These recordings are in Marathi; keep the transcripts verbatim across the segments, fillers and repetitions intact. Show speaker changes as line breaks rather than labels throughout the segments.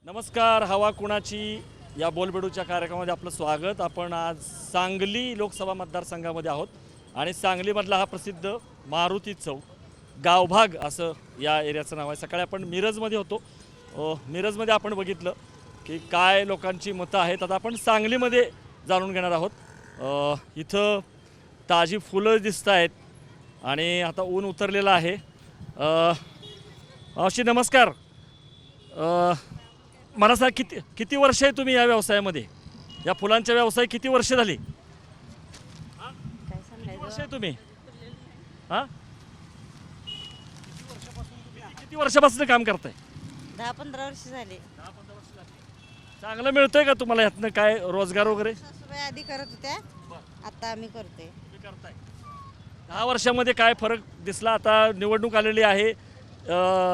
नमस्कार. हवा कुणाची या बोलबेडूच्या कार्यक्रमामध्ये आपलं स्वागत. आपण आज सांगली लोकसभा मतदारसंघामध्ये आहोत आणि सांगलीमधला हा प्रसिद्ध मारुती चौक गावभाग असं या एरियाचं नाव आहे. सकाळी आपण मिरजमध्ये होतो. अ, मिरजमध्ये आपण बघितलं की काय लोकांची मतं आहेत. आता आपण सांगलीमध्ये जाणून घेणार आहोत. अ, इथं ताजी फुलं दिसत आहेत आणि आता ऊन उतरलेलं आहे. अ, मावशी नमस्कार. अ, मला सांग किती किती वर्ष आहे तुम्ही या व्यवसायामध्ये, या फुलांच्या व्यवसाय किती वर्ष झाली?
काय
किती
सांगायचं
वर्ष आहे तुम्ही? हां किती वर्षापासून काम करताय?
दहा पंधरा वर्ष झाले.
चांगलं मिळतंय का तुम्हाला यातनं काय रोजगार वगैरे?
सासूबाई आधी करत होत्या, आता आम्ही करतोय.
तुम्ही करताय. दहा वर्षामध्ये काय फरक दिसला? आता निवडणूक आलेली आहे. अ,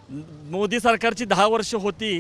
मोदी सरकारची दहा वर्ष होती,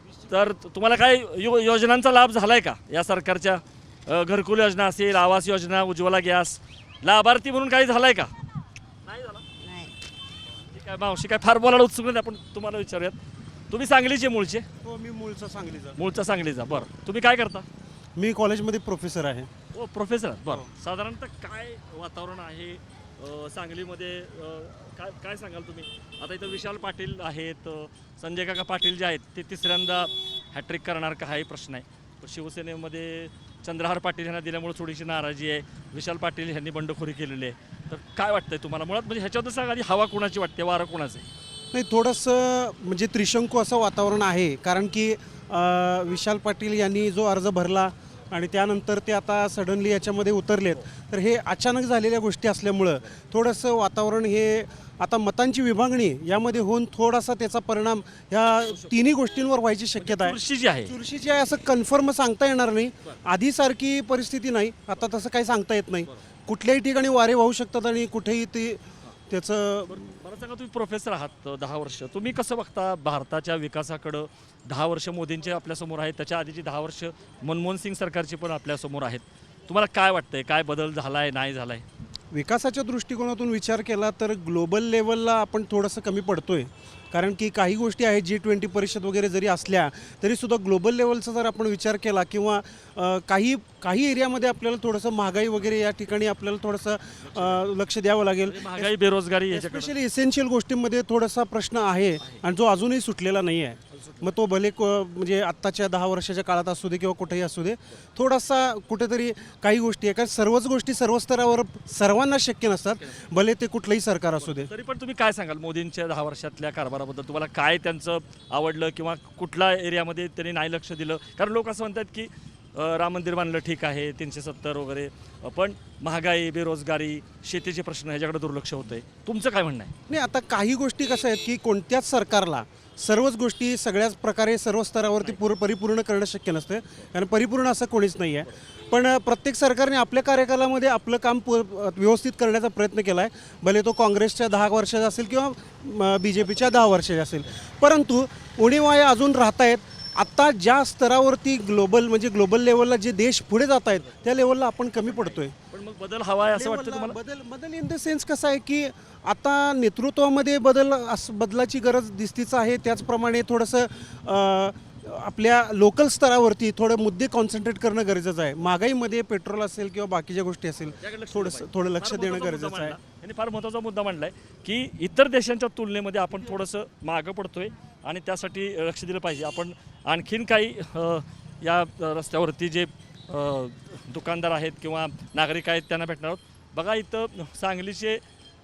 तर तुम्हाला काय यो योजनांचा लाभ झाला आहे का या सरकारच्या? अ, घरकुल योजना असेल, आवास योजना, उज्ज्वला गॅस, लाभार्थी म्हणून काही झालं आहे का? नाही झालं.
नाही,
ठीक आहे मावशी, काय फार बोलायला उत्सुक नाही, आपण तुम्हाला विचारूयात. तुम्ही सांगलीचे मूळचे?
हो, मी मूळचा सांगलीचा.
मूळचा सांगलीचा. बरं, तुम्ही काय करता?
मी कॉलेजमध्ये प्रोफेसर आहे.
हो, प्रोफेसर. बरं, साधारणतः काय वातावरण आहे अ, सांगलीमध्ये? अ, काय काय सांगाल तुम्ही? आता इथं विशाल पाटील आहेत, अ, संजय काका पाटील जे आहेत ते तिसऱ्यांदा हॅट्रिक करणार का, हाही प्रश्न आहे. शिवसेनेमध्ये चंद्रहार पाटील यांना दिल्यामुळे थोडीशी नाराजी आहे. विशाल पाटील यांनी बंडखोरी केलेली आहे. तर काय वाटतंय तुम्हाला मुळात, म्हणजे ह्याच्याबद्दल सांगा आधी, हवा कुणाची वाटते, वारं कुणाचं आहे?
नाही, थोडंसं म्हणजे त्रिशंकू असं वातावरण आहे. कारण की अ, विशाल पाटील यांनी जो अर्ज भरला आणि त्यानंतर ते आता सडनली याच्यामध्ये उतरलेत, तर हे अचानक झालेल्या गोष्टी असल्यामुळं थोडंसं वातावरण हे आता मतांची विभागणी यामध्ये होऊन थोडासा त्याचा परिणाम ह्या तिन्ही गोष्टींवर व्हायची शक्यता आहे.
चुरशी जी आहे,
चुरशीची आहे असं कन्फर्म सांगता येणार नाही. आधीसारखी परिस्थिती नाही, आता तसं काही सांगता येत नाही. कुठल्याही ठिकाणी वारे वाहू शकतात आणि कुठेही ते त्याचं.
मला सांगा, तुम्ही प्रोफेसर आहात दहा वर्ष, तुम्ही कसं बघता भारताच्या विकासाकडं? दहा वर्ष मोदींचे आपल्यासमोर आहेत, त्याच्या आधीची दहा वर्ष मनमोहन सिंग सरकारची पण आपल्यासमोर आहेत. तुम्हाला काय वाटतंय, काय बदल झाला आहे, नाही झाला आहे?
विकासाच्या दृष्टिकोनातून विचार केला तर ग्लोबल लेवलला आपण थोडंसं कमी पडतोय. कारण की काही गोष्टी आहेत, जी ट्वेंटी परिषद वगैरे जरी असल्या तरीसुद्धा ग्लोबल लेवलचा जर आपण विचार केला किंवा अ, काही काही एरियामध्ये आपल्याला थोडंसं महागाई वगैरे या ठिकाणी आपल्याला थोडंसं अ, लक्ष द्यावं लागेल.
म्हणजे महागाई, बेरोजगारी याच्याकडे
स्पेशली इसेन्शियल गोष्टींमध्ये थोडासा प्रश्न आहे आणि जो अजूनही सुटलेला नाही आहे. मग तो भले क म्हणजे आत्ताच्या दहा वर्षाच्या काळात असू दे किंवा कुठेही असू दे, थोडासा कुठेतरी काही गोष्टी आहे. कारण सर्वच गोष्टी सर्व स्तरावर सर्वांना शक्य नसतात, भले ते कुठलंही सरकार असू दे.
तरी पण तुम्ही काय सांगाल मोदींच्या दहा वर्षातल्या कारभाराबद्दल? तुम्हाला काय त्यांचं आवडलं किंवा कुठल्या एरियामध्ये त्यांनी नाही लक्ष दिलं? कारण लोक असं म्हणतात की अ, राम मंदिर बांधलं ठीक आहे, तीनशे सत्तर वगैरे, अ, पण महागाई, बेरोजगारी, शेतीचे प्रश्न ह्याच्याकडे दुर्लक्ष होतंय. तुमचं काय म्हणणं आहे?
नाही, आता काही गोष्टी कशा आहेत की कोणत्याच सरकारला सर्वच गोष्टी सगळ्याच प्रकारे सर्व स्तरावरती पूर परिपूर्ण करणं शक्य नसतं. कारण परिपूर्ण असं कोणीच नाही आहे. पण अ, प्रत्येक सरकारने आपल्या कार्यकालामध्ये आपलं काम पू व्यवस्थित करण्याचा प्रयत्न केला आहे. भले तो काँग्रेसच्या दहा वर्षाचा असेल किंवा बी जे पीच्या दहा वर्षाचा असेल. परंतु उणीवा अजून राहत आहेत. आत्ता ज्या स्तरावरती ग्लोबल म्हणजे ग्लोबल लेवलला जे देश पुढे जात आहेत त्या लेवलला आपण कमी पडतोय.
पण मग बदल हवा आहे असं वाटतं
लेवलला
तुम्हाला?
बदल बदल इन द सेन्स कसं आहे की आता नेतृत्वामध्ये बदल असं बदलाची गरज दिसतीच आहे. त्याचप्रमाणे थोडंसं अ, आपल्या लोकल स्तरावरती थोडे मुद्दे कॉन्सन्ट्रेट करणं गरजेचं आहे. महागाईमध्ये पेट्रोल असेल किंवा बाकीच्या गोष्टी असेल, थोडंसं थोडं लक्ष देणं गरजेचं आहे.
आणि फार महत्त्वाचा मुद्दा मांडलाय की इतर देशांच्या तुलनेमध्ये आपण थोडंसं मागं पडतोय आणि त्यासाठी लक्ष दिलं पाहिजे. आपण आणखीन काही अ, या रस्त्यावरती जे अ, दुकानदार आहेत किंवा नागरिक आहेत त्यांना भेटणार आहोत. बघा, इथं सांगलीचे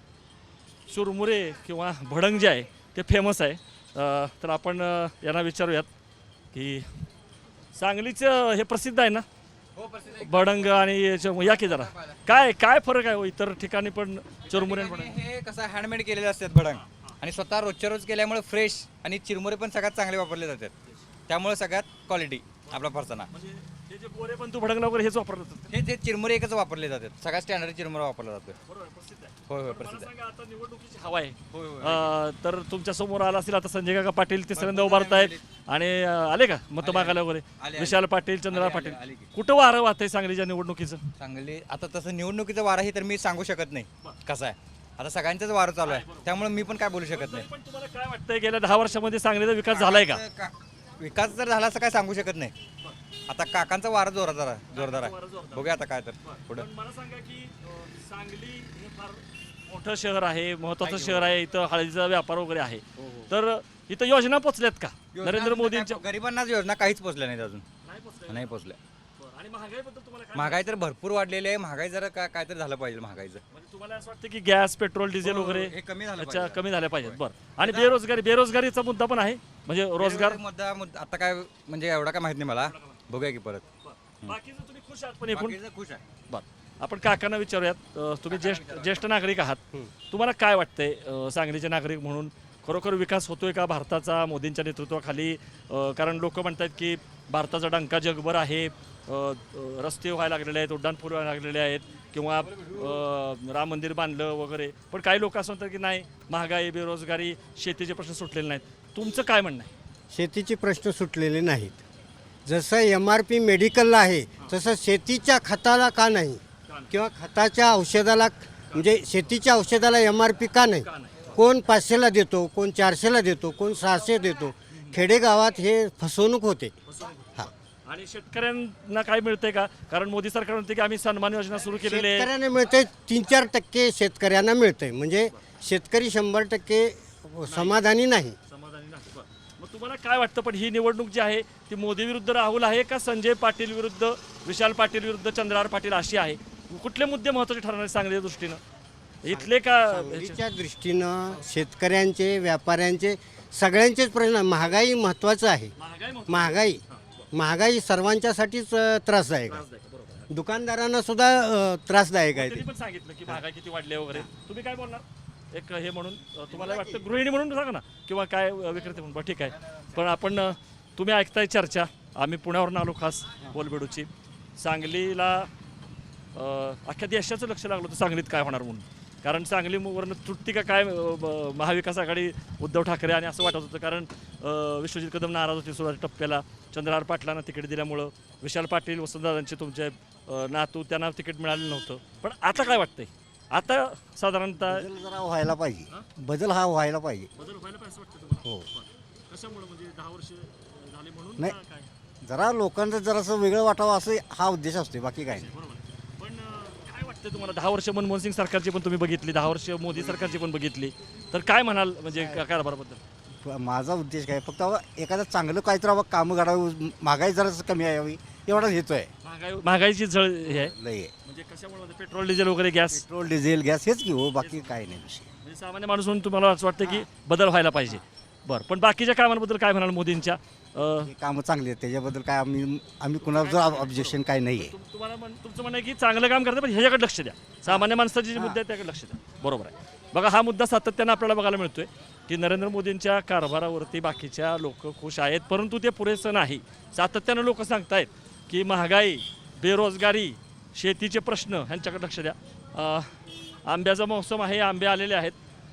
चुरमुरे किंवा भडंग जे आहे ते फेमस आहे. अ, तर आपण अ, यांना विचारूयात की सांगलीचं हे प्रसिद्ध आहे ना भडंग आणि याच्या- या की जरा काय काय फरक आहे हो इतर ठिकाणी पण चुरमुरे आणि भडंग?
हे कसं हँडमेड केलेले असतात भडंग आणि स्वतः रोजच्या रोज केल्यामुळे फ्रेश आणि चिरमुरे पण सगळ्यात चांगले वापरले जातात. त्यामुळे सगळ्यात क्वालिटी आपला फरसाना.
म्हणजे हे जे गोरे पण तू भडंगला वगैरे हेच वापरलं जातं.
हे जे चिरमुरे एकच वापरले जातात. सगळ्यात स्टँडर्ड चिरमुरा वापरला जातो.
बरोबर, प्रसिद्ध आहे.
होय होय
मला
प्रसिद्ध आहे.
सांगा, आता निवडणुकीची हवा आहे.
होय, होय.
अ, तर तुमच्या समोर आला असेल आता संजय काका पाटील तिसऱ्यांदा उभारत आहेत आणि अ, आले का मत मागायला वगैरे?
आले.
विशाल पाटील, चंद्रहार
आले,
पाटील,
आले की.
कुठं वारं वाहतंय सांगलीच्या निवडणुकीचं?
चांगले आता तसं निवडणुकीचं वार आहे तर मी सांगू शकत नाही कसं आहे. आता सगळ्यांचंच वार चालू आहे त्यामुळे मी पण काय बोलू शकत नाही.
पण तुम्हाला काय वाटतंय गेल्या दहा वर्षामध्ये सांगलीचा विकास झालाय का?
का- विकास जर झाला असं काय सांगू शकत नाही. आता काकांचा वारा जोरदार आहे जोरदार आहे बघूया आता काय तर पुढं.
पण मला सांगा की अ, सांगली हे फार मोठं शहर आहे, महत्वाचं शहर आहे, इथं हळदीचा व्यापार वगैरे आहे. तर इथं योजना पोचल्यात का नरेंद्र मोदींच्या?
गरिबांनाच योजना काहीच पोचल्या नाहीत अजून,
नाही पोचल्या.
नाही पोचल्या.
बरं. आणि महागाईबद्दल तुम्हाला काय
महागाई तर भरपूर वाढलेली आहे. महागाई जरा काय काय तर झालं पाहिजे महागाईचं.
म्हणजे तुम्हाला असं वाटतं की गॅस पेट्रोल डिझेल
हो,
वगैरे
हे कमी झालं
अच्छा
पाहिजे.
कमी झाल्या पाहिजेत. बरं. आणि बेरोजगारी बेरोजगारीचा मुद्दा पण आहे, म्हणजे रोजगार.
मुद्दा मुद्दा आता काय म्हणजे एवढा काय माहित नाही मला, बघूया की परत.
बाकीचं तुम्ही खुश आहात पण एकूण?
बाकीचं खुश आहे.
बरं. आपण काकांना विचारूयात. अ, तुम्ही ज्येष्ठ ज्येष्ठ नागरिक आहात, तुम्हाला काय वाटतंय अ, सांगलीचे नागरिक म्हणून खरोखर विकास होतोय का भारताचा मोदींच्या नेतृत्वाखाली? अ, कारण लोक म्हणतात की भारताचा डंका जगभर आहे, अ, अ, रस्ते व्हायला लागलेले आहेत, उड्डाणपूल व्हायला लागलेले आहेत, किंवा अ, राम मंदिर बांधलं वगैरे. पण काही लोक असं म्हणतात की नाही, महागाई, बेरोजगारी, शेतीचे प्रश्न सुटलेले नाहीत. तुमचं काय म्हणणं आहे?
शेतीचे प्रश्न सुटलेले नाहीत. जसं एम आर पी मेडिकलला आहे तसं शेतीच्या खताला का नाही, किंवा खताच्या औषधाला, म्हणजे शेतीच्या औषधाला एम आर पी का नाही? कोण पाचशेला देतो, कोण चारशेला देतो, कोण सहाशे देतो. खेडेगावात हे फसवणूक होते. हां,
आणि शेतकऱ्यांना काय मिळतंय का? कारण मोदी सरकार म्हणते की आम्ही सन्मान योजना सुरू केलेली आहे.
शेतकऱ्यांना मिळतंय, तीन चार टक्के शेतकऱ्यांना मिळतंय. म्हणजे शेतकरी शंभर टक्के समाधानी नाही.
समाधानी नाही. बरं. मग तुम्हाला काय वाटतं, पण ही निवडणूक जी आहे ती मोदी विरुद्ध राहुल आहे का संजय पाटील विरुद्ध विशाल पाटील विरुद्ध चंद्रहार पाटील अशी आहे? कुठले मुद्दे महत्त्वाचे ठरणार आहेत सांगलीच्या दृष्टीनं? इथले का?
सांगलीच्या दृष्टीनं शेतकऱ्यांचे, व्यापाऱ्यांचे, सगळ्यांचेच प्रश्न. महागाई महत्त्वाचं आहे.
महागाई महत्त्वाची.
महागाई महागाई सर्वांच्यासाठीच अ, त्रासदायक आहे.
बरोबर.
दुकानदारांना सुद्धा अ, त्रासदायक आहे
त्यांनी
ते.
पण सांगितलं की महागाई किती वाढली आहे वगैरे. तुम्ही काय बोलणार एक हे म्हणून? अ, तुम्हाला वाटतं गृहिणी म्हणून सांगा ना, किंवा काय अ, विक्रेते म्हणून? बरं, ठीक आहे. पण आपण अ, तुम्ही ऐकताय चर्चा. आम्ही पुण्यावरून आलो खास बोलबेडूची. सांगलीला अ, अख्ख्या देशाचं लक्ष लागलं होतं सांगलीत काय होणार म्हणून. कारण सांगलीवरनं तुटती का काय अ, ब- महाविकास आघाडी उद्धव ठाकरे, आणि असं वाटत होतं. कारण अ, विश्वजित कदम नाराज होते सुरुवातीच्या टप्प्याला. चंद्रहार पाटलांना तिकीट दिल्यामुळं विशाल पाटील, वसंतदादांचे तुमचे अ, नातू, त्यांना तिकीट मिळालेलं नव्हतं. पण आता काय वाटतंय? आता साधारणतः
बदल जरा व्हायला पाहिजे. बदल हा व्हायला पाहिजे.
बदल व्हायला पाहिजे असं वाटतं तुम्हाला?
हो.
कशामुळे? म्हणजे दहा वर्ष झाली म्हणून
नाही.
का काय?
जरा लोकांचं जरासं वेगळं वाटावं असं हा उद्देश असतो, बाकी काय नाही.
बरोबर आहे. पण अ, काय वाटतं तुम्हाला? दहा वर्ष मनमोहन सिंग सरकारची पण तुम्ही बघितली, दहा वर्ष मोदी सरकारची पण बघितली, तर काय म्हणाल म्हणजे का- कारभाराबद्दल?
प- माझा उद्देश काय, फक्त बाबा एखादं चांगलं काहीतरी बाबा कामं काढावी, महागाई जरासं कमी यावी एवढाच हेतू आहे.
महागाई महागाईची झळ हे आहे
लय आहे.
म्हणजे कशामुळे? म्हणजे पेट्रोल डिझेल वगैरे, गॅस.
पेट्रोल डिझेल गॅस हेच की हो, बाकी काय नाही विषय.
म्हणजे सामान्य माणूस म्हणून तुम्हाला असं वाटतं की बदल व्हायला पाहिजे. बरं. पण बाकीच्या कामांबद्दल काय म्हणाल मोदींच्या? अ,
हे कामं चांगली आहेत, त्याच्याबद्दल काय आम्ही आम्ही कुणाचं ऑब्जेक्शन काय नाही आहे.
तुम- तुम्हाला म्हण- तुमचं म्हणणं आहे की चांगलं काम करतं, पण ह्याच्याकडे लक्ष द्या. सामान्य माणसाचे जे मुद्दे आहेत त्याकडे लक्ष द्या. बरोबर आहे. बघा, हा मुद्दा सातत्यानं आपल्याला बघायला मिळतोय की नरेंद्र मोदींच्या कारभारावरती बाकीच्या लोक खुश आहेत, परंतु ते पुरेसं नाही. सातत्यानं लोक सांगतायत की महागाई, बेरोजगारी, शेतीचे प्रश्न ह्यांच्याकडे लक्ष द्या. अ, आंब्याचा मौसम आहे, आंबे आलेले आहेत.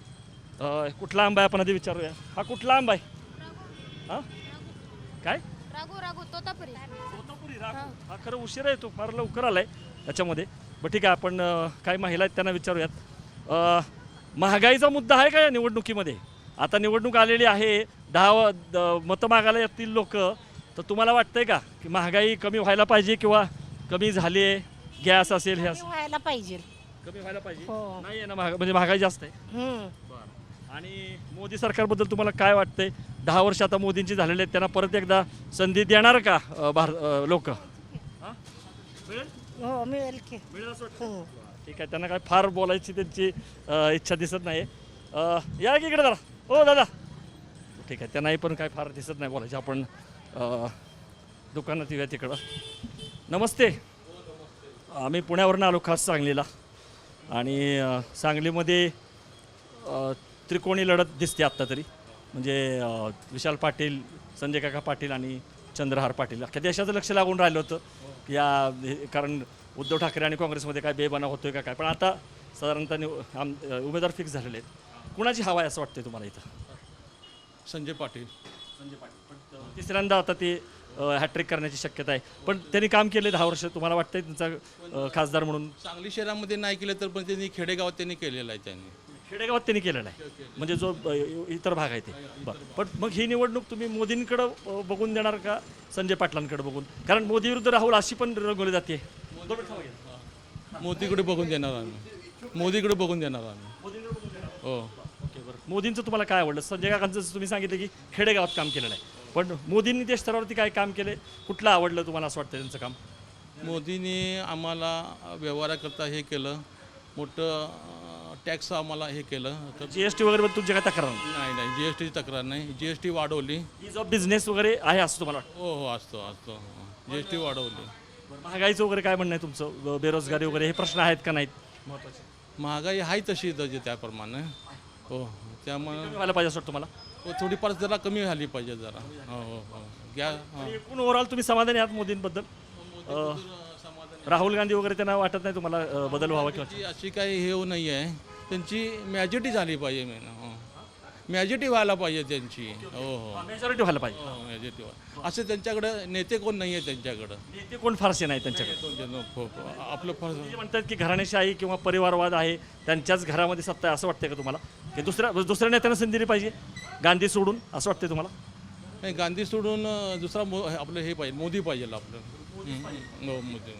अ, कुठला आंबा आहे आपण आधी विचारूया. हा कुठला आंबा आहे? हा काय?
रागू रागू तोतापुरी
तोतापुरी राघू. हा खरं उशीर आहे, तो फार लवकर आलाय त्याच्यामध्ये. बरं, ठीक आहे. आपण अ, काही महिला आहेत त्यांना विचारूयात. अ, महागाईचा मुद्दा आहे का या निवडणुकीमध्ये? आता निवडणूक आलेली आहे, दहा व- द- मतं मागायला येतील लोक, तर तुम्हाला वाटतंय का की महागाई कमी व्हायला पाहिजे किंवा कमी झाली आहे? गॅस असेल, हे असेल,
व्हायला पाहिजे.
कमी व्हायला पाहिजे.
हो.
नाही आहे ना महाग म्हणजे महागाई जास्त आहे.
हम्म.
आणि मोदी सरकारबद्दल तुम्हाला काय वाटतंय? दहा वर्ष आता मोदींची झालेले आहेत, त्यांना परत एकदा संधी देणार का भार लोक? मिळेल
हो, मिळेल की.
मिळेल असं वाटतं?
हो.
ठीक आहे. त्यांना काय फार बोलायची त्यांची अ, इच्छा दिसत नाही. अ, या की इकडे जरा. हो दादा. ठीक आहे. त्यांनाही पण काय फार दिसत नाही बोलायची. आपण अ, दुकानात येऊया तिकडं. नमस्ते. आम्ही पुण्यावरून आलो खास सांगलीला, आणि अ, सांगलीमध्ये अ, त्रिकोणी लढत दिसते आत्ता तरी. म्हणजे अ, विशाल पाटील, संजय काका पाटील आणि चंद्रहार पाटील. अख्ख्या देशाचं लक्ष लागून राहिलं होतं या हे- कारण उद्धव ठाकरे आणि काँग्रेसमध्ये काय बेबना होतोय का काय. पण आता साधारणतः निव आम उमेदवार फिक्स झालेले आहेत. कुणाची हवा आहे असं वाटतंय तुम्हाला इथं?
संजय पाटील.
संजय पाटील. पण अ, तिसऱ्यांदा आता ते हॅट्रिक करण्याची शक्यता आहे. पण त्यांनी काम केले दहा वर्ष. तुम्हाला वाटतंय त्यांचा अ, खासदार म्हणून?
सांगली शहरामध्ये नाही केलं तर पण त्यांनी खेडेगावात त्यांनी केलेलं आहे त्यांनी.
खेडेगावात त्यांनी केलेलं आहे म्हणजे जो अ, इतर भाग आहे ते बरं. पण मग ही निवडणूक तुम्ही मोदींकडं अ, बघून देणार का संजय पाटलांकडे बघून? कारण मोदी विरुद्ध राहुल अशी पण रंगवली जाते. दोन मिनिटं थांबा की.
मोदीकडे बघून देणार आम्ही मोदीकडे बघून देणार आम्ही
मोदींकडे बघून देणार.
हो
ओके बरं. मोदींचं तुम्हाला काय आवडलं? संजय काकांचं जसं तुम्ही सांगितलं की खेडेगावात काम केलेलं आहे, पण मोदींनी देश स्तरावरती काय काम केले? कुठलं आवडलं तुम्हाला असं वाटतं त्यांचं काम?
मोदींनी आम्हाला व्यवहाराकरता हे केलं मोठं टॅक्स आम्हाला हे केलं तर
जी एस टी वगैरे बद्दल तुमची काय तक्रार नाही?
नाही नाही जी एस टीची तक्रार नाही जी एस टी वाढवली
इज ऑफ बिझनेस वगैरे आहे असं तुम्हाला वाटतं?
हो हो असतो असतो जी एस टी वाढवली
बरं, महागाईचं वगैरे काय म्हणणं आहे तुमचं? ब- बेरोजगारी वगैरे हे प्रश्न आहेत का नाहीत महत्त्वाचे?
महागाई आहे तशी म्हणजे त्याप्रमाणे हो त्यामुळे
कमी व्हायला पाहिजे असं वाटतं तुम्हाला?
हो, थोडीफार जरा कमी झाली पाहिजे जरा हो हो हो घ्या हो.
एकूण ओव्हरऑल तुम्ही समाधानी आहात मोदींबद्दल? अं, राहुल गांधी वगैरे त्यांना वाटत नाही तुम्हाला अं, बदल व्हावा किंवा?
ती अशी काही हे नाही आहे त्यांची मॅजॉरिटी झाली पाहिजे मेन हो मॅजॉरिटी व्हायला पाहिजे त्यांची हो हो
मेजॉरिटी व्हायला पाहिजे.
हो मॅजॉरिटी व्हा असे त्यांच्याकडं नेते कोण नाही आहे त्यांच्याकडं
नेते कोण फारसे नाही त्यांच्याकडे.
दोन जण हो, हो. आपलं फार
ते म्हणतात की घराणेशाही किंवा परिवारवाद आहे, त्यांच्याच घरामध्ये सत्ता आहे असं वाटतंय का तुम्हाला? की दुसऱ्या दुसऱ्या नेत्यांना संधी दिली पाहिजे गांधी सोडून असं वाटतंय तुम्हाला?
नाही गांधी सोडून अं, दुसरा मो आपलं हे पाहिजे मोदी पाहिजे आपलं हम्म. हो मोदी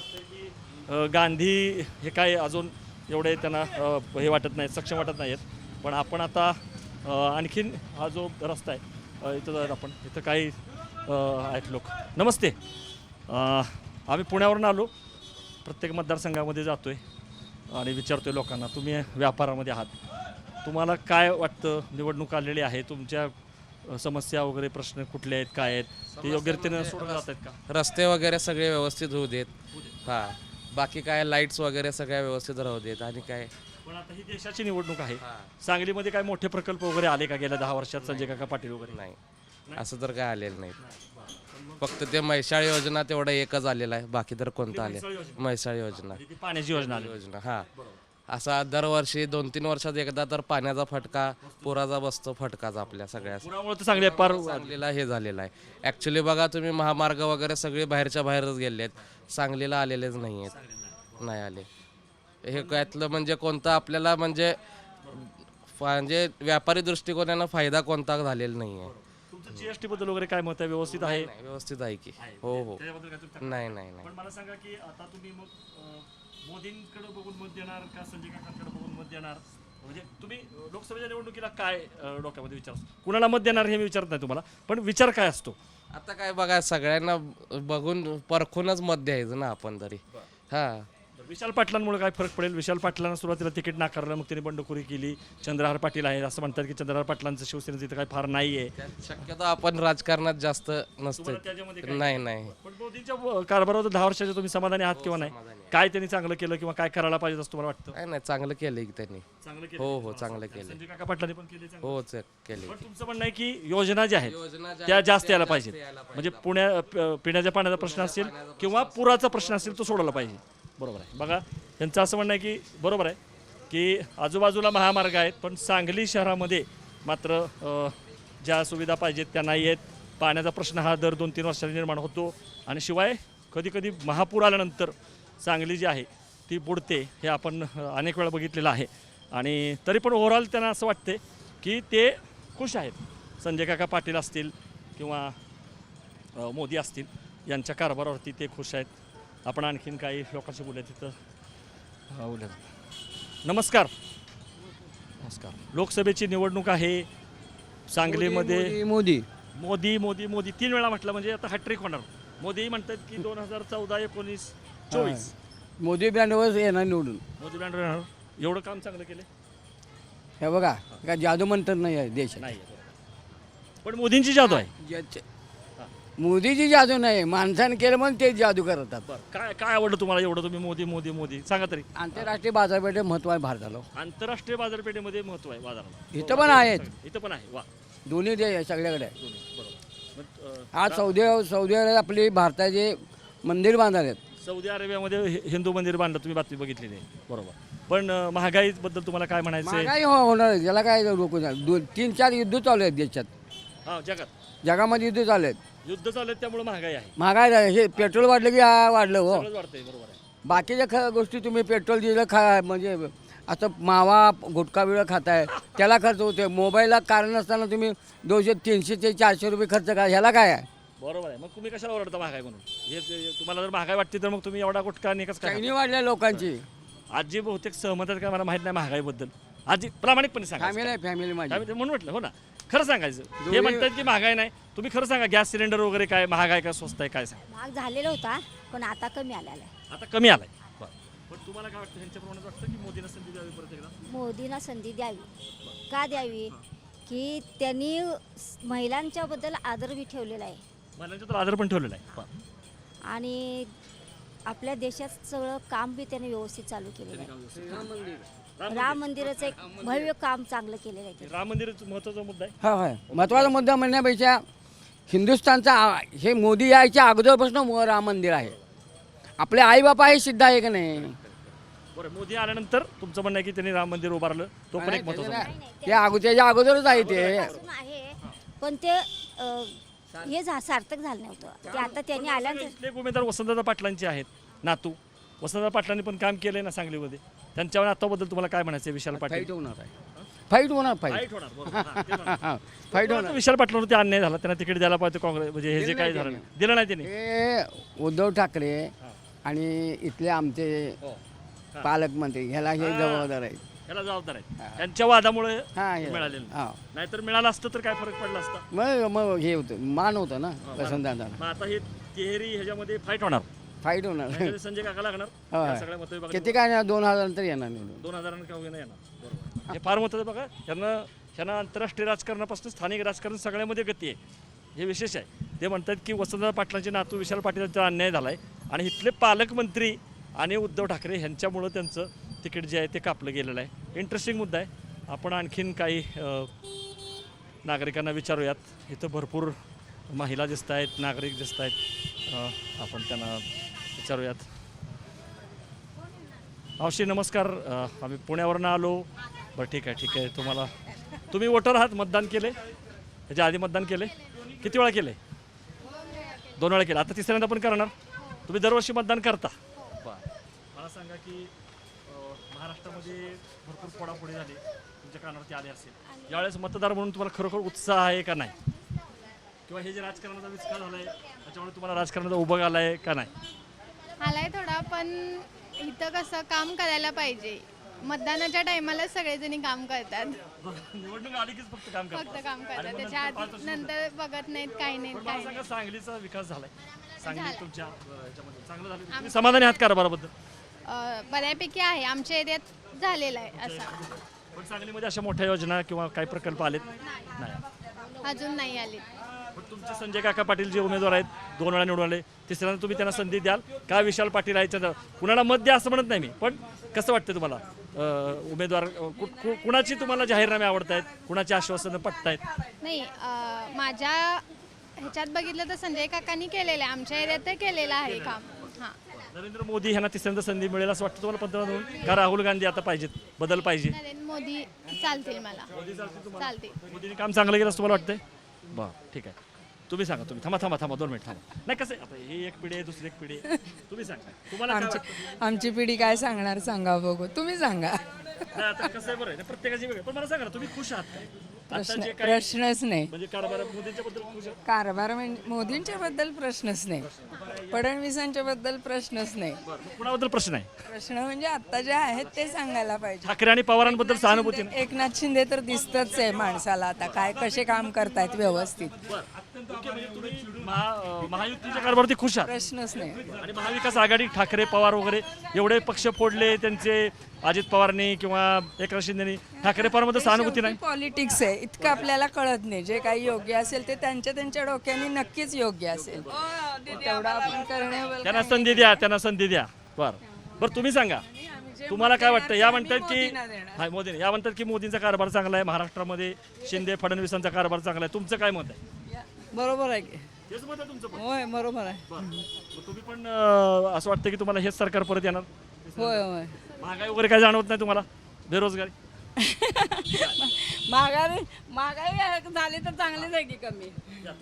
अ, गांधी हे काय अजून एवढे त्यांना अ, हे वाटत नाही, सक्षम वाटत नाही आहेत. पण आपण आता अ, आणखीन हा जो रस्ता आहे अ, इथं जर आपण इथं काही अ, आहेत लोक. नमस्ते. अ, आम्ही पुण्यावरून आलो, प्रत्येक मतदारसंघामध्ये जातो आहे आणि विचारतो आहे लोकांना, तुम्ही व्यापारामध्ये आहात, तुम्हाला काय वाटतं? निवडणूक आलेली आहे, तुमच्या अ, समस्या वगैरे प्रश्न कुठले आहेत, काय आहेत, ते योग्य रीतीने सोडवले जात आहेत का?
रस्ते वगैरे सगळे व्यवस्थित होऊ देत हां बाकी काय लाईट्स वगैरे सगळ्या व्यवस्थित राहू देत आणि काय
पण आता ही देशाची निवडणूक आहे, सांगलीमध्ये काय मोठे प्रकल्प वगैरे आले का गेल्या दहा वर्षात संजय काका पाटील वगैरे?
नाही असं तर काय आलेलं नाही फक्त ते म्हैसाळ योजना तेवढं एकच आलेलं आहे बाकी तर कोणतं आले म्हैसाळ योजना
ती पाण्याची योजना आली.
योजना हां असा दरवर्षी दोन तीन वर्षात एकदा तर पाण्याचा फटका पुराचा बसतो फटकाच आपल्या सगळ्या
पुरामुळे तर चांगले पार
सांगलीला हे झालेलं आहे ॲक्च्युली बघा तुम्ही महामार्ग वगैरे सगळे बाहेरच्या बाहेरच गेले आहेत सांगलीला आलेलेच नाही आहेत नाही आले हे त्यातलं म्हणजे कोणतं आपल्याला म्हणजे म्हणजे व्यापारी दृष्टिकोनानं फायदा कोणता झालेला नाही आहे
तुमचं जीएसटी बद्दल वगैरे काय मत आहे? व्यवस्थित आहे?
नाही, व्यवस्थित आहे की हो हो
त्याच्याबद्दल काय तुम्ही-
नाही नाही नाही
पण मला सांगा की आता तुम्ही मग अं, मोदींकडे बघून मत देणार का संजय काकांकडे बघून मत देणार? म्हणजे तुम्ही अं, लोकसभेच्या निवडणुकीला काय अं, डोक्यामध्ये विचार असतो? कुणाला मत देणार हे मी विचारत नाही तुम्हाला, पण विचार काय असतो?
आता काय बघा सगळ्यांना बघून परखूनच मत द्यायचं ना आपण तरी हां
विशाल पाटलांमुळे काय फरक पडेल? विशाल पाटलांना सुरुवातीला तिकीट नाकारलं, मग त्यांनी बंडखोरी केली. चंद्रहार पाटील आहे, असं म्हणतात की चंद्रहार पाटलांचं शिवसेनेचं इथं काय फार नाही आहे.
शक्यतो आपण राजकारणात जास्त नसते
तुम्हाला त्याच्यामध्ये काय-
नाही नाही
पण मोदींच्या व- कारभारावर दहा वर्षाचे तुम्ही समाधानी आहात किंवा नाही? काय त्यांनी चांगलं केलं किंवा काय करायला पाहिजे असं तुम्हाला वाटतं?
काय नाही चांगलं केलंय की त्यांनी
चांगलं
हो हो चांगलं केलंय
संजय काका पाटलांनी पण केले चांगलं.
हो चे- केलंय
पण तुमचं म्हणणं आहे की योजना ज्या आहेत
योजना ज्या
त्या
आहेत,
जास्त
त्या
यायला
जास्त
पाहिजेत.
यायला
म्हणजे पुण्या प- पिण्याच्या पाण्याचा प्रश्न असेल किंवा पुराचा प्रश्न असेल तो सोडवला पाहिजे. बरोबर आहे. बघा त्यांचं असं म्हणणं आहे की बरोबर आहे की आजूबाजूला महामार्ग आहेत, पण सांगली शहरामध्ये मात्र अ, ज्या सुविधा पाहिजेत त्या नाही आहेत. पाण्याचा प्रश्न हा दर दोन तीन वर्षांनी निर्माण होतो आणि शिवाय कधीकधी महापूर आल्यानंतर सांगली जी आहे ती बुडते. हे आपण अ, अनेक वेळा बघितलेलं आहे. आणि तरी पण ओव्हरऑल त्यांना असं वाटते की ते खुश आहेत. संजय काका पाटील असतील किंवा अ, मोदी असतील यांच्या कारभारावरती ते खुश आहेत. आपण आणखीन काही लोकांशी बोलूया तिथं. हा, बोलूया. नमस्कार. नमस्कार. लोकसभेची निवडणूक आहे सांगलीमध्ये.
मोदी
मोदी मोदी मोदी तीन वेळा म्हटलं म्हणजे आता हॅट्रिक होणार. मोदी म्हणतात की दोन हजार चौदा एकोणीस चोवीस
मोदी ब्रँडवर येणार निवडून.
मोदी बँड राहणार. एवढं काम चांगलं केलं
हे बघा काय जादू म्हणतात नाही आहे देशात.
नाही, पण मोदींची जादू आहे.
ज्याचे- मोदीची जादू नाही माणसाने केलं म्हणून ते जादू करतात.
बरं, काय काय आवडलं तुम्हाला एवढं तुम्ही मोदी मोदी मोदी सांगा तरी?
आंतरराष्ट्रीय बाजारपेठे महत्व आहे भारताला.
आंतरराष्ट्रीय बाजारपेठेमध्ये महत्व आहे बाजाराला.
इथं पण आहेत
इथं पण आहे. वा,
दोन्ही देश सगळ्याकडे आहे.
बरोबर. मग, अं,
आज सौदी सौदी अरेबिया आपली भारताचे मंदिर बांधालेत.
सौदी अरेबियामध्ये हि- हिंदू मंदिर बांधलं, तुम्ही बातमी बघितलेली आहे. बरोबर. पण अं, महागाईबद्दल तुम्हाला काय म्हणायचं आहे?
महागाई हो- होणार आहे. त्याला काय रोखू नाही. दोन तीन चार युद्ध चालू आहेत देशात.
हा, जगात
जगामध्ये युद्ध चालू आहेत.
युद्ध चालू आहे त्यामुळे महागाई आहे.
महागाई झाली. हे पेट्रोल वाढलं की हा वाढलं हो.
सगळंच वाढतंय. बरोबर आहे.
बाकीच्या ख गोष्टी तुम्ही पेट्रोल डिझेल खा म्हणजे आता मावा गुटखा बिळा खाताय त्याला खर्च होते. मोबाईलला कारण नसताना तुम्ही दोनशे तीनशे ते चारशे रुपये खर्च करा, ह्याला काय आहे?
बरोबर आहे. मग तुम्ही कशाला ओरडता महागाई म्हणून? हे जे- तुम्हाला जर महागाई वाटते तर मग तुम्ही एवढा गुटखा निकच काय
चैनी वाढल्या लोकांची.
आजी बहुतेक सहमत आहेत का मला माहित नाही महागाईबद्दल. आजी प्रामाणिकपणे सांगा.
फॅमिली आहे फॅमिली माझी.
काय म्हणून म्हटलं हो ना, खरं सांगायचं. हे
दोन्ही-
म्हणतात की महागाई नाही, तुम्ही खरं सांगा. गॅस सिलेंडर वगैरे काय महाग आहे का स्वस्त आहे काय सांगा.
महाग झालेला होता पण आता कमी आलेला आहे.
आता कमी आलाय. बरं. पण तुम्हाला काय वाटतं, ह्यांच्याप्रमाणे वाटतं की मोदींना संधी द्यावी परत एकदा?
मोदींना संधी द्यावी. का द्यावी? की त्यांनी महिलांच्या बद्दल आदर बी ठेवलेला आहे
महिलांच्या तर आदर पण ठेवलेला आहे. बरं.
आणि आपल्या देशात सगळं काम बी त्याने व्यवस्थित चालू केलेलं आहे. राम मंदिराचं एक भव्य काम चांगलं केलेलं आहे.
राम मंदिर महत्वाचा मुद्दा आहे.
हा होय महत्त्वाचा मुद्दा म्हणण्यापेक्षा हिंदुस्थानचा आ- हे मोदी यायच्या अगोदरपासून मो- राम मंदिर आहे. आपले आईबापा हे सिद्ध आहे का नाही?
बरं, मोदी आल्यानंतर तुमचं म्हणणं आहे की त्यांनी राम मंदिर उभारलं, तो पण एक महत्वाचा मुद्दा आहे.
ते अगो त्याच्या अगोदरच आहे ते.
अजून आहे पण ते अं, हे झा- सार्थक झालं नव्हतं. ते आता त्यांनी आल्यानंतर
इथले एक उमेदवार वसंतदादा पाटलांचे आहेत नातू. वसंतदादा पाटलांनी पण काम केलंय ना सांगलीमध्ये. त्यांच्यावर आताबद्दल तुम्हाला काय म्हणायचं आहे विशाल पाटील?
फाईट होणार आहे. फाईट होणार फाईट.
फाईट होणार, बरोबर. हां, ते म्हणा.
फाईट
तुम्हाला
होणार.
विशाल पाटलावरती अन्याय झाला, त्यांना तिकीट द्यायला पाहिजे काँग्रेस, म्हणजे हे जे
दिलं
काय
नाही
झालं
त्यांनी.
दिलं नाही त्यांनी.
हे उद्धव ठाकरे आणि इथले आमचे
हो.
पालकमंत्री ह्याला हे जबाबदार आहेत.
याला जबाबदार आहे त्यांच्या वादामुळे
हा हे-
मिळालेलं नाही.
हा.
नाहीतर मिळालं असतं तर काय फरक पडला असता.
मग मग हे होतं मान होतं ना वसंतदादा.
मग आता हे तिहेरी ह्याच्यामध्ये फाईट होणार.
फाईट होणार.
त्याच्यामध्ये संजय काका लागणार.
होय.
या सगळ्या मतं
किती काय नाही, दोन हजार नंतर येणार निवडून.
दोन हजारांना का वगैरे येणार. बरोबर. हे फार महत्त्वाचं बघा. यांना ह्यांना आंतरराष्ट्रीय राजकारणापासून स्थानिक राजकारण सगळ्यामध्ये गती आहे. हे विशेष आहे. ते म्हणतात की वसंतदादा पाटलांचे नातू विशाल पाटील यांचा अन्याय झाला आहे आणि इथले पालकमंत्री आणि उद्धव ठाकरे ह्यांच्यामुळं त्यांचं तिकीट जे आहे ते कापलं गेलेलं आहे. इंटरेस्टिंग मुद्दा आहे. आपण आणखीन काही अ, नागरिकांना विचारूयात. इथं भरपूर महिला दिसत आहेत, नागरिक दिसत आहेत. अ, आपण त्यांना विचारूयात. मावशी नमस्कार. अ, आम्ही पुण्यावरनं आलो. बरं ठीक आहे ठीक आहे. तुम्हाला तुम्ही वोटर आहात, मतदान केले? ह्याच्या आधी मतदान केले? किती वेळा केले? दोन वेळा केलं. आता तिसऱ्यांदा पण करणार? तुम्ही दरवर्षी मतदान करता? बरं. मला सांगा की अ, महाराष्ट्रामध्ये भरपूर फोडाफोडी झाली, तुमच्या कानावरती आले असेल. यावेळेस मतदार म्हणून तुम्हाला खरोखर उत्साह आहे का नाही? किंवा हे जे राजकारणाचा विस्कार झाला आहे त्याच्यामुळे तुम्हाला राजकारणाचा उभं आला आहे का नाही?
आलाय थोडा, पण इथं कसं काम करायला पाहिजे. मतदानाच्या टायमाला सगळेजणी काम करतात,
निवडणूक आली कीच फक्त काम करतात.
फक्त काम
आणि
करतात.
मग
त्याच्या
नंतर पाच
आधी
वर्ष
नंतर बघत नाहीत, काही नाहीत,
पण
काही
मला
नाही.
सांगा सांगलीचा विकास झालाय. सांगली
झालाय.
तुमच्या अ, ह्याच्यामध्ये चांगलं झालं. तुम्ही समाधानी आहात कारभाराबद्दल?
अं, बऱ्यापैकी आहे, आमच्या एरियात झालेला आहे असा.
पण सांगलीमध्ये अशा मोठ्या योजना किंवा काही प्रकल्प आलेत नाही?
अजून नाही आले.
पण तुमचे संजय काका पाटील जे उमेदवार आहेत, दोन वेळा निवडून आले, तिसऱ्यांदा तुम्ही त्यांना संधी द्याल का? विशाल पाटील आहेत, त्यांना कुणाला मत द्या असं म्हणत नाही मी, पण कसं वाटतं तुम्हाला अ, उमेदवार अ, कु- कु- कुणाची तुम्हाला जाहीरनामे आवडत आहेत, कुणाची आश्वासनं पटतायत?
नाही, अं, माझ्या ह्याच्यात बघितलं तर संजय काकांनी केलेलं आहे, आमच्या एरियात तर केलेलं आहे काम. हां,
नरेंद्र मोदी ह्यांना तिसऱ्यांदा संधी मिळेल असं वाटतं तुम्हाला पंतप्रधान म्हणून? का राहुल गांधी आता पाहिजेत, बदल पाहिजे?
नरेंद्र मोदी चालतील मला, चालतील.
मोदीने काम चांगलं केलं असं तुम्हाला वाटतंय? बरं ठीक आहे. तुम्ही सांगा. तुम्ही थांबा थांबा थांबा दोन मिनिट थांबा. नाही कसं आहे, आता ही एक पिढी आहे, दुसरी एक पिढी आहे. तुम्ही सांगा तुम्हाला काय
आमची
वाटतं?
आमची पिढी काय सांगणार सांगा बघू, तुम्ही सांगा.
नाही, आता कसं आहे, बरं आहे, प्रत्येकाची वेगळी. पण मला सांगा ना, तुम्ही खुश आहात काय? आता
प्रश्न
जे काही
प्रश्नच नाही.
म्हणजे कारभार मोदींच्या बद्दल खुश आहात?
कारभार म्हणजे मोदींच्या बद्दल प्रश्नच नाही, फडणवीसांच्या बद्दल प्रश्नच नाही.
बरं, मग कुणाबद्दल प्रश्न आहे?
प्रश्न म्हणजे आता जे आहेत ते सांगायला पाहिजे.
ठाकरे आणि पवारांबद्दल सहानुभूती नाही?
एकनाथ शिंदे तर दिसतच आहे माणसाला आता काय कसे काम करतायत व्यवस्थित.
ओके, म्हणजे तुम्ही महा अं, महायुतीच्या कारभारावरती खुश आहात?
प्रश्नच नाही.
आणि महाविकास आघाडी ठाकरे पवार वगैरे एवढे पक्ष फोडले त्यांचे, अजित पवारनी किंवा एकनाथ शिंदेनी, ठाकरे पवारमध्ये सहानुभूती नाही?
पॉलिटिक्स आहे, इतकं आपल्याला कळत नाही. जे काही योग्य असेल ते त्यांच्या त्यांच्या डोक्याने नक्कीच योग्य असेल. तेवढं आपण करणे.
त्यांना संधी द्या, त्यांना संधी द्या. बरं बरं तुम्ही सांगा तुम्हाला काय वाटतं? या म्हणतात की हा मोदीने या म्हणतात की मोदींचा कारभार चांगला आहे महाराष्ट्रामध्ये, शिंदे फडणवीसांचा कारभार चांगला आहे. तुमचं काय मत आहे?
बरोबर आहे की?
तेच मत आहे तुमचं पण?
होय बरोबर आहे.
बरं. मग तुम्ही पण अं, असं वाटतं की तुम्हाला हेच सरकार परत येणार?
होय होय.
महागाई वगैरे काय जाणवत नाही तुम्हाला? बेरोजगारी?
महागाई महागाई झाली तर चांगलीच आहे की कमी.
या, तुम्ही सांगा.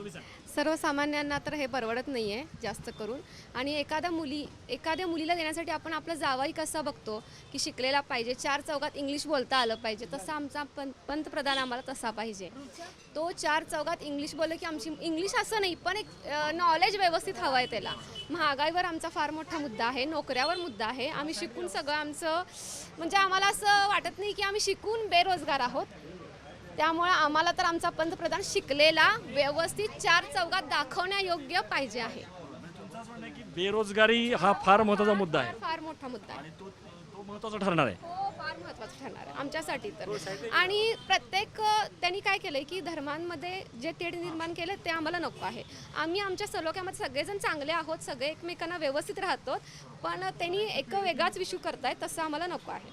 सर्वसामान्यांना तर हे परवडत नाही आहे जास्त करून. आणि एखाद्या मुली एखाद्या मुलीला देण्यासाठी आपण आपला जावाई कसा बघतो की शिकलेला पाहिजे, चार चौघात इंग्लिश बोलता आलं पाहिजे, तसा आमचा पं पंतप्रधान आम्हाला तसा पाहिजे. तो चार चौघात इंग्लिश बोललं की आमची इंग्लिश असं नाही पण एक नॉलेज व्यवस्थित हवं आहे त्याला. महागाईवर आमचा फार मोठा मुद्दा आहे, नोकऱ्यावर मुद्दा आहे. आम्ही शिकून सगळं आमचं म्हणजे आम्हाला असं वाटत नाही की आम्ही शिकून बेरोजगार आहोत. त्यामुळे आम्हाला तर आमचा पंतप्रधान शिकलेला व्यवस्थित चार चौघात दाखवण्यायोग्य पाहिजे आहे.
की बेरोजगारी हा फार महत्त्वाचा मुद्दा आहे,
फार मोठा मुद्दा आहे.
तो तो महत्त्वाचा ठरणार आहे.
हो, फार महत्त्वाचं ठरणार आहे आमच्यासाठी तर. आणि प्रत्येक अ, त्यांनी काय केलंय की धर्मांमध्ये जे तेढ निर्माण केलं ते आम्हाला नको आहे. आम्ही आमच्या सलोख्यामध्ये सगळेजण चांगले आहोत, सगळे एकमेकांना व्यवस्थित राहतो, पण त्यांनी एक वेगळाच विषू करतायत, तसं आम्हाला नको आहे.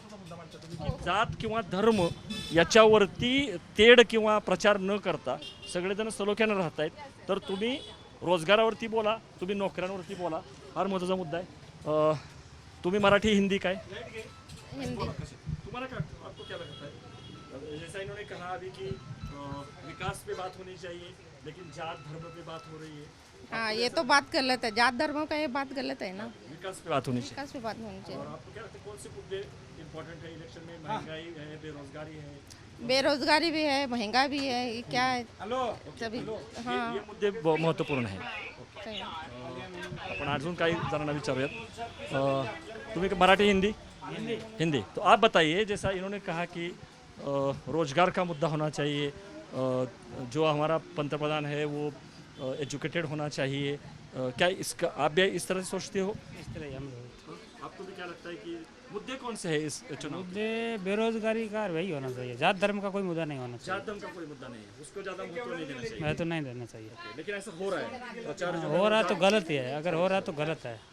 जात किंवा धर्म याच्यावरती तेढ किंवा प्रचार न करता सगळेजण सलोख्यानं राहत आहेत. तर तुम्ही रोजगारावरती बोला, तुम्ही नोकऱ्यांवरती बोला, फार महत्त्वाचा मुद्दा आहे. अ, तुम्ही मराठी हिंदी काय
हिंदी
तुम्हाला क्या आपको क्या लगता है? जैसा इन्होंने कहा अभी कि अ, विकास पे बात होनी चाहिए लेकिन जात धर्म पे बात हो रही है.
हाँ, ये तो बात गलत है, जात धर्म का ये बात गलत है ना,
विकास पे बात होनी चाहिए.
विकास पे बात होनी चाहिए.
और आपको क्या लगता है कौन से मुद्दे इम्पोर्टेंट है इलेक्शन में? महंगाई है, बेरोजगारी है,
बेरोजगारी भी है, महंगा भी है, ये क्या है सभी. हाँ,
ये मुद्दे ब- महत्त्वपूर्ण आहे.
सही है.
आपण अजून काही जणांना विचारूयात. अ, तुम्ही मराठी हिंदी हिंदी तो आप बताइए, जैसा इन्होंने कहा कि अ, रोजगार का मुद्दा होना चाहिए, अ, जो हमारा पंतप्रधान है वो एजुकेटेड होना चाहिए, अ, क्या इसका आप भी इस तरह से सोचते हो?
इस तरह हम
आपको भी क्या लगता है कि मुद्दे कौन से हैं इस चुनाव में?
मुद्दे बेरोजगारी का वही होना चाहिए, जात धर्म का कोई मुद्दा नहीं होना
जात धर्म का कोई मुद्दा नहीं है, उसको ज़्यादा महत्व नहीं देना चाहिए.
चाहिए, तो नहीं देना चाहिए.
लेकिन ऐसा हो रहा है प्रचार जो
हो रहा तो गलत ही है, अगर हो रहा तो गलत है.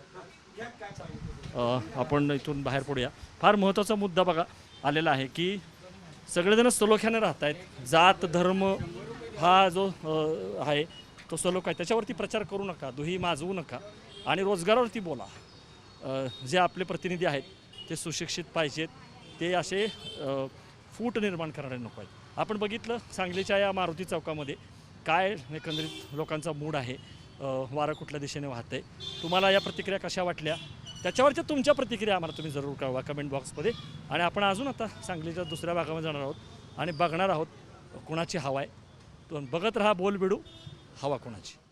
अ, आपण इथून बाहेर पडूया. फार महत्त्वाचा मुद्दा बघा आलेला आहे की सगळेजण सलोख्याने राहत आहेत. जात धर्म हा जो अ, आहे तो सलोखा आहे, त्याच्यावरती प्रचार करू नका, दुही माजवू नका आणि रोजगारावरती बोला. अ, जे आपले प्रतिनिधी आहेत ते सुशिक्षित पाहिजेत, ते असे अ, फूट निर्माण करणारे नको आहेत. आपण बघितलं सांगलीच्या या मारुती चौकामध्ये काय एकंदरीत लोकांचा मूड आहे, अ, वारं कुठल्या दिशेने वाहतंय. तुम्हाला या प्रतिक्रिया कशा वाटल्या त्याच्यावरच्या तुमच्या प्रतिक्रिया आम्हाला तुम्ही जरूर कळवा कमेंट बॉक्समध्ये. आणि आपण अजून आता सांगलीच्या दुसऱ्या भागामध्ये जाणार आहोत आणि बघणार आहोत कुणाची हवा आहे. तो बघत राहा बोलबिडू, हवा कुणाची.